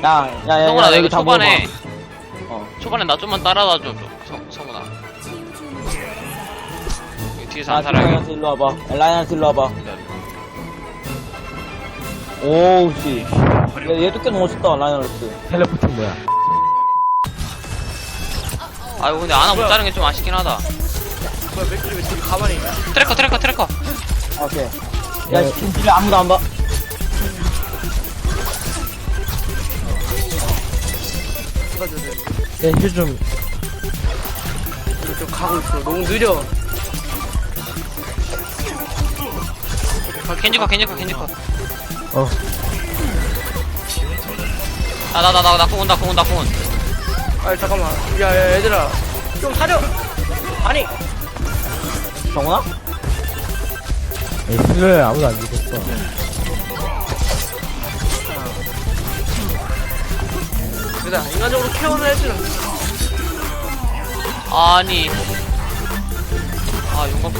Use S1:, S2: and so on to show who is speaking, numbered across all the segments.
S1: 야야야
S2: 성훈아 나 이거
S1: 여기 다
S2: 초반에
S1: 모아봐.
S2: 초반에 나 좀만 따라와줘 성훈아. 여기 뒤에서 안 살아야겠다.
S1: 라인한테 일로 와봐. 라인한테 일로 와봐. 오우 씨. 얘도 꽤 멋있다 라인한테.
S3: 텔레포트 뭐야?
S2: 아이고 근데 아나 못 자른 게 좀 아쉽긴 하다.
S4: 뭐야 맥주리 왜 저기 가만히 있냐?
S2: 트래커.
S1: 오케이. 야 진짜 아무도 안 봐.
S4: 찍어줘야 돼.
S3: 힐 좀.
S4: 이거 좀 가고 있어. 너무 느려.
S2: 겐지커.
S3: 어.
S2: 나 공원.
S4: 아니 잠깐만. 야 얘들아 좀 사려. 아니
S1: 정훈아?
S3: 힐러에 아무도 안 죽었어.
S4: 얘들아 인간적으로 케어는 해주는.
S2: 아니 용감.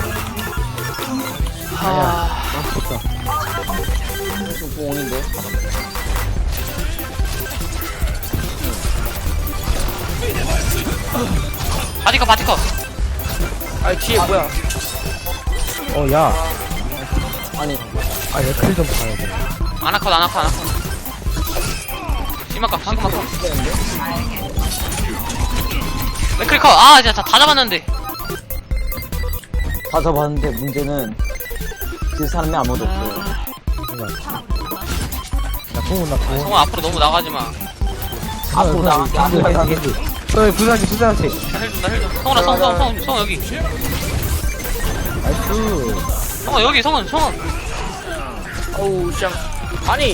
S3: 아니야. 맞췄다.
S1: 좀 공원인데.
S2: 바티커.
S4: 아니 뒤에 뭐야?
S3: 어, 야.
S1: 아니
S3: 아, 얘클 좀 봐야 돼.
S2: 아나컷. 심각한. 맥크리커. 아 진짜 다 잡았는데.
S1: 다 잡았는데 문제는 그 사람이 아무도 없어요.
S3: 나 공은 나 공.
S2: 성훈 앞으로 너무 나가지 마.
S1: 앞으로 나갈게. 앞으로 나갈게.
S3: 너 부산지.
S2: 나 힐 좀. 성훈아 성훈 여기.
S3: 나이스.
S2: 성훈 여기 성훈.
S4: 어우 쌍. 아니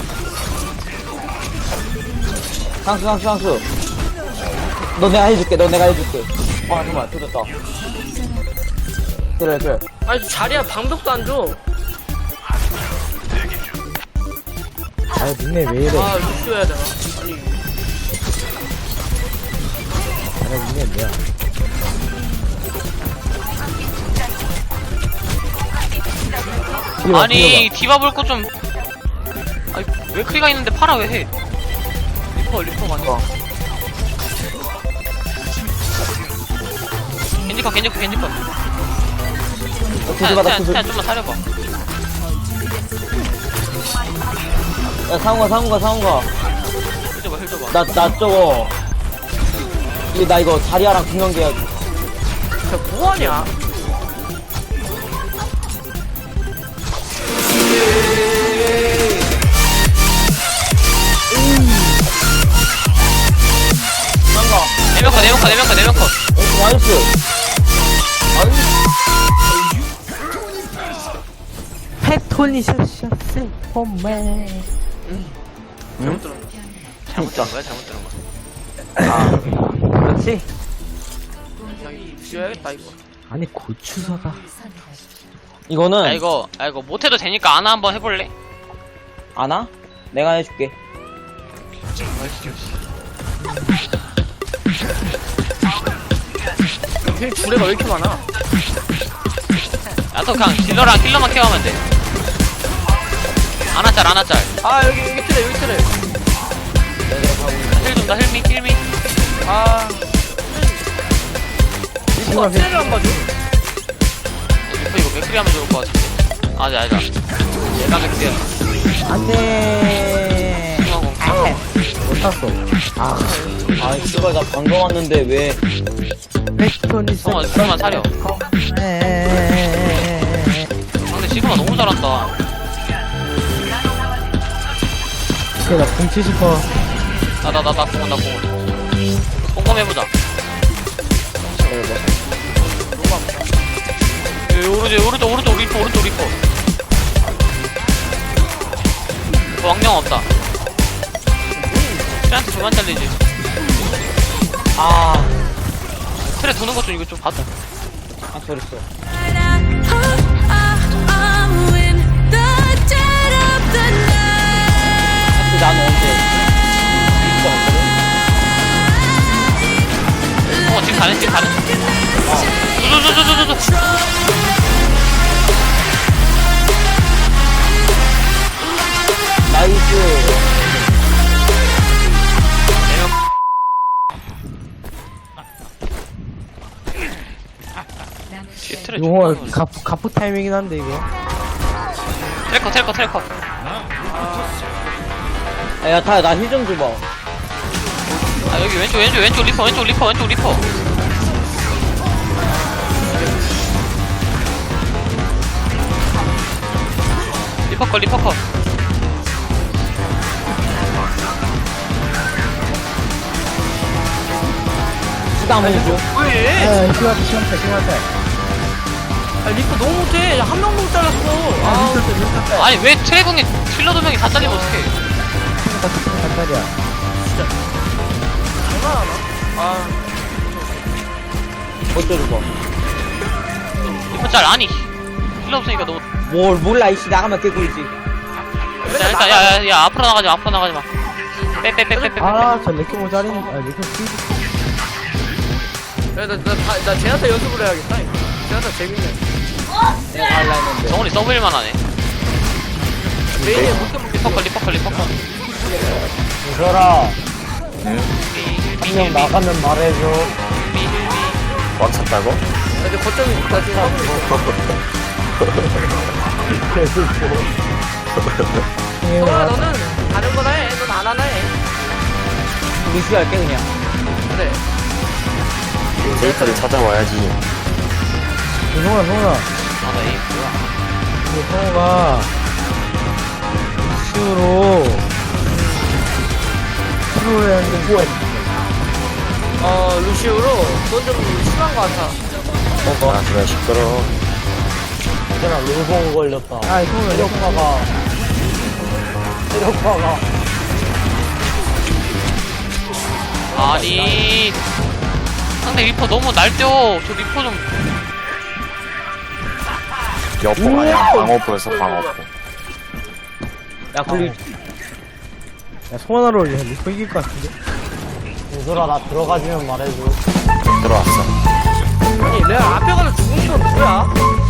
S1: 상수. 너 내가 해줄게. 아 정말 터졌다. 그래.
S4: 아니 자리야 방벽도 안 줘.
S3: 아, 니네 왜 이래?
S4: 아 루시 해야 되나? 아니
S3: 아, 니네 뭐야?
S2: 아니 디바 볼 거 좀. 아니 맥크리가 있는데 파라 왜 해? 리퍼가 아니야. 겐지커. 태양 좀만 사려봐.
S1: 야 상우가.
S2: 힐 줘봐.
S1: 나 저거. 나 이거 자리아랑 중간계 해야지.
S4: 진짜 뭐하냐?
S2: 네명컷.
S1: 나이스.
S3: 패토니 샷샷 홈맨.
S4: 잘못 들었나?
S2: 잘못 들은 거야.
S1: 그렇지.
S4: 야 이거 지어야겠다 이거.
S3: 아니 고추사다.
S1: 이거는
S2: 아 이거 못해도 되니까 아나 한번 해볼래?
S1: 아나? 내가 해줄게.
S4: 힐 주례가 왜 이렇게 많아?
S2: 야또 그냥 딜러랑 킬러만 케어하면 돼. 아나짤.
S4: 아 여기 틀에.
S2: 힐 좀. 힐미.
S4: 아 리퍼가 틀을 안 봐줘.
S2: 이거 맥크리 하면 좋을 것 같은데. 아자. 얘가 맥크리야.
S3: 안돼. 못 탔어.
S1: 아 씨발 나 방금 왔는데 왜?
S3: 패토니
S2: 성아 그만 사려. 근데 지금은 너무 잘한다.
S3: 오케이, 나공 70%.
S2: 나 공원. 꼼꼼해보자. 오른쪽 리퍼. 왕령 없다. 트레한테 그만 잘리지.
S1: 아
S2: 트레 도는 것 좀 이거 좀 봐줘.
S1: 저랬어. 나는 언제?
S2: 지금 가는.
S1: 나이스.
S2: 트레
S3: 이거
S2: 존나
S3: 가프 타이밍이긴 한데, 이거.
S2: 트래커.
S1: 야, 타야, 나 힐 좀 줘봐.
S2: 아, 여기 왼쪽 리퍼. 리퍼 컷.
S1: 수당 한번 줘.
S4: 왜?
S3: 야, 심한테.
S4: 아, 리퍼 너무 못해. 한 명도 못 잘랐어. 아,
S2: 아니, 왜 트래공에 킬러 2명이 다 잘리면 어떡해.
S3: 단달이야.
S4: 장난하나? 아,
S1: 어쩌려고.
S2: 리퍼 짤, 아니. 킬러 없으니까 너무.
S1: 뭘 몰라, 이씨. 나가면 개꿀이지.
S2: 자, 일단, 야, 앞으로 나가지 마. 빼.
S3: 아, 저 레키 모자린, 레키 피
S4: 야, 나 제나타 연습을 해야겠다. 제나타 재밌네.
S1: 내가 갈라 했는데.
S2: 정원이 서브일만 하네.
S4: 메인에 못해
S2: 리퍼 컷.
S1: 유설아, 한 명 나가면 말해줘.
S5: 꽉 찼다고?
S4: 나 이제 거점이 나 지금 하고 있어. 성아, 너는 다른 거나 해. 넌 안 하나 해.
S1: 루시 할게, 그냥.
S4: 그래.
S5: 데이터를 찾아와야지.
S3: 성훈아.
S2: 아, 나 에이, 뭐야.
S3: 성우가 이슈로 프로를 하는데
S4: 루시우로 그건 좀 심한 거 같아.
S5: 아, 그래, 시끄러워.
S1: 얘들아, 롤봉 걸렸다.
S3: 아, 성우가
S1: 체력파가.
S2: 아니. 상대 리퍼 너무 날뛰어. 저 리퍼 좀.
S5: 여포 아니야. 방어포였어, 방어포.
S1: 야, 굴리.
S3: 야, 성원아로 리퍼 이길 것 같은데?
S1: 유설아, 나 들어가주면 말해줘.
S5: 들어왔어.
S4: 아니, 내가 앞에 가서 죽은 건 뭐야?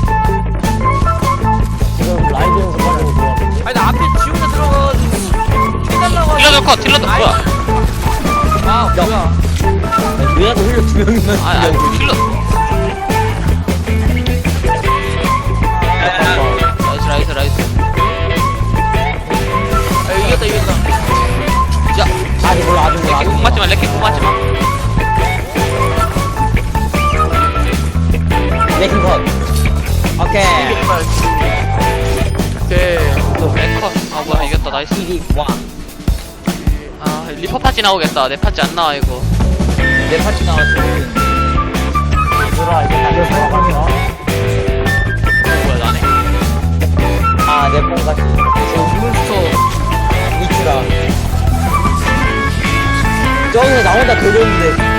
S1: 지금 라이브 연습하려고 들어왔는데.
S4: 아니, 나 앞에 지우개 들어가가지고 해달라고 하지.
S2: 딜러도 뭐야.
S4: 아, 뭐야.
S1: 얘가 힐러 2명이면
S2: 아니, 킬러. 나이스.
S4: 아, 이겼다.
S2: 야,
S1: 아직 몰라, 아직 몰라.
S2: 레켓 공 맞지 마.
S1: 레킹 컷. 오케이.
S4: 오케이.
S2: 레컷. 아, 뭐야, 이겼다. 나이스.
S1: 1위 1.
S2: 아, 리퍼 파티 나오겠다. 내 파티 안 나와, 이거.
S1: 내 파티 나왔어. 유설아, 이제 다시 들어가자.
S2: 뭐야, 나네.
S1: 아, 내 뽕같이.
S4: 몬스터.
S1: 이치라. 저기서 나 혼자 들렸는데.